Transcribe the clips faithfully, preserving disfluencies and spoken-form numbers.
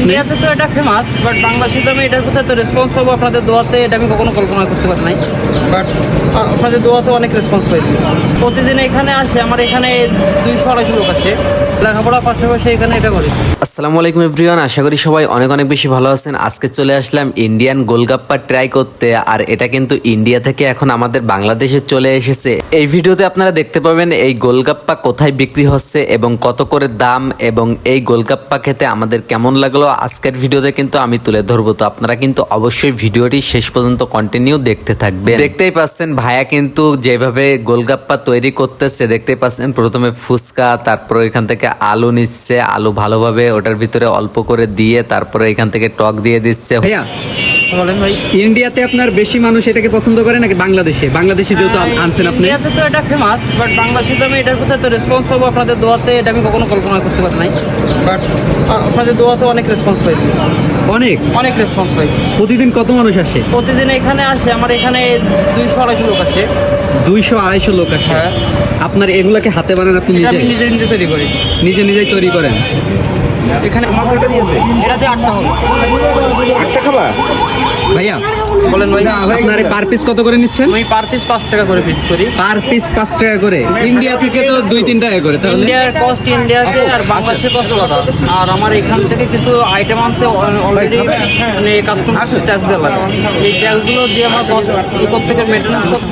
ইন্ডিয়াতে তো এটা ফেমাস, বাট বাংলাদেশে আমি এটার কোথায় তো রেসপন্স পাবো আপনাদের দোয়াতে, এটা আমি কখনো কল্পনা করতে পারি নাই। বাট আপনাদের দোয়াতে অনেক রেসপন্স পাইছি। প্রতিদিন এখানে আসে, আমার এখানে দুইশো আড়াইশো লোক আসে, লেখাপড়ার পাশাপাশি এখানে এটা করি। আসসালামু আলাইকুম এভরিওয়ান, আশা করি সবাই অনেক অনেক বেশি ভালো আছেন। আজকে চলে আসলাম ইন্ডিয়ান গোলগাপ্পা ট্রাই করতে, আর এটা কিন্তু ইন্ডিয়া থেকে এখন আমাদের বাংলাদেশে চলে এসেছে। এই ভিডিওতে আপনারা দেখতে পাবেন এই গোলগাপ্পা কোথায় বিক্রি হচ্ছে এবং কত করে দাম, এবং এই গোলগাপ্পা খেতে আমাদের কেমন লাগলো আজকের ভিডিওতে কিন্তু আমি তুলে ধরবো। তো আপনারা কিন্তু অবশ্যই ভিডিওটি শেষ পর্যন্ত কন্টিনিউ দেখতে থাকবেন। দেখতেই পাচ্ছেন ভাইয়া কিন্তু যেভাবে গোলগাপ্পা তৈরি করতেছে, দেখতেই পাচ্ছেন প্রথমে ফুচকা, তারপর এখান থেকে আলু নিচ্ছে, আলু ভালোভাবে ওটার ভিতরে অল্প করে দিয়ে তারপরে এখান থেকে টক দিয়ে দিচ্ছে। ভাইয়া, বলেন ভাই। ইন্ডিয়াতে আপনার বেশি মানুষ এটাকে পছন্দ করে নাকি বাংলাদেশে? বাংলাদেশে যেহেতু আন- আনছেন আপনি। ইন্ডিয়াতে তো এটা ফেমাস, বাট বাংলাদেশে আমি এটার কোথায় তো রেসপন্স পাবো আপনাদের দোয়াতে, এটা আমি কখনো কল্পনা করতে পারি নাই। বাট আপনাদের দোয়াতে অনেক রেসপন্স পাইছি, অনেক অনেক রেসপন্স পাইছি। প্রতিদিন কত মানুষ আসে? প্রতিদিন এখানে আসে, আমার এখানে দুইশো আড়াইশো লোক আসে। দুইশো আড়াইশো লোক আসে। হ্যাঁ। আপনার এগুলাকে হাতে বানান আপনি এটা নিজে আমি নিজে নিজে তৈরি করি। নিজে নিজেই তৈরি করেন? এখানে এটাতে আটটা হবে। আটটা খাবা? ভাইয়া বলেন ভাই। আপনার পার পিস কত করে নিচ্ছেন? আমি পার পিস পাঁচ টাকা করে পিস করি। পার পিস পাঁচ টাকা করে। ইন্ডিয়া থেকে তো দুই তিন টাকা করে, তাহলে ইন্ডিয়ার কস্ট ইন্ডিয়াতে আর বাংলাদেশের কস্ট আলাদা। আর আমার এখান থেকে কিছু আইটেম আনতে অলরেডি মানে কাস্টম ট্যাক্স দেওয়া লাগে। এই ট্যাক্সগুলো দিয়ে আমার কস্ট উপর থেকে মেনটেন্যান্স করতে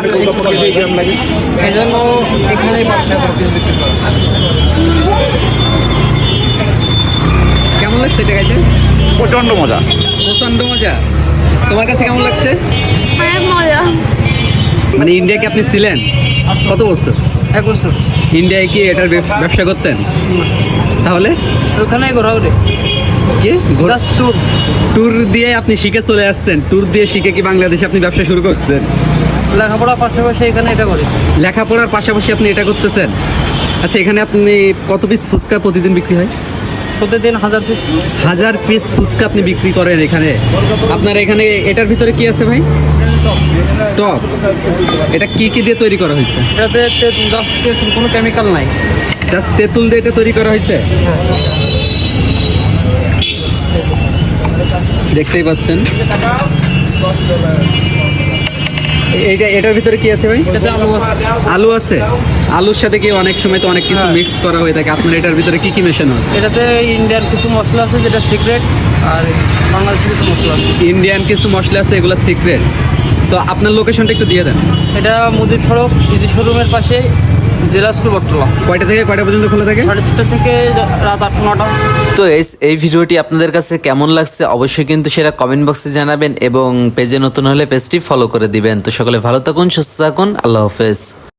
এই জন্য এখানেই পাঁচ টাকা করে পিস বিক্রি করা। কেমন লাগছে এটা খাইতে? প্রচন্ড মজা। প্রচন্ড মজা। তোমার কাছে কেমন লাগছে? অনেক মজা। মানে ইন্ডিয়াকে আপনি ছিলেন কত বছর? এক বছর ইন্ডিয়ায় কি এটার ব্যব- ব্যবসা করতেন? তাহলে ওখানেই ঘোরা ওরে কি জাস্ট ট্যুর। ট্যুর দিয়ে আপনি শিখে চলে আসছেন? ট্যুর দিয়ে শিখে কি বাংলাদেশে আপনি ব্যবসা শুরু করছেন? লেখাপড়ার পাশাপাশি এখানে এটা করি। লেখাপড়ার পাশাপাশি আপনি এটা করতেছেন? আচ্ছা, এখানে আপনি কত পিস ফুচকা প্রতিদিন বিক্রি হয়? প্রতিদিন হাজার পিস। হাজার পিস ফুচকা আপনি বিক্রি করেন এখানে? আপনার এখানে এটার ভিতরে কি আছে ভাই? টক। এটা কি কি দিয়ে তৈরি করা হয়েছে? এটাতে তে- দশ থেকে কোনো কেমিক্যাল নাই। জাস্ট তেঁতুল দিয়ে এটা তৈরি করা হয়েছে। দেখতেই পাচ্ছেন। এইটা এটার ভিতরে কি আছে ভাই? এটাতে আলু আছে। আলু আছে। আলুর সাথে কি অনেক সময় তো অনেক কিছু মিক্স করা হয়ে থাকে, আপনার এটার ভিতরে কি কি মেশানো আছে? এটাতে ইন্ডিয়ান কিছু মশলা আছে যেটা সিক্রেট, আর বাংলাদেশের কিছু মশলা আছে। ইন্ডিয়ান কিছু মশলা আছে, এগুলো সিক্রেট। তো আপনার লোকেশনটা একটু দিয়ে দেন। এটা মুদির সড়ক ইজি শোরুমের পাশে, জেলা স্কুল বটতলা। কয়টা থেকে কয়টা পর্যন্ত খোলা থাকে? সাড়ে ছটা থেকে রাত আট নটা। তো এই এই ভিডিওটি আপনাদের কাছে কেমন লাগছে অবশ্যই কিন্তু সেটা কমেন্ট বক্সে জানাবেন, এবং পেজে নতুন হলে পেজটি ফলো করে দিবেন। তো সকলে ভালো থাকুন, সুস্থ থাকুন, আল্লাহ হাফেজ।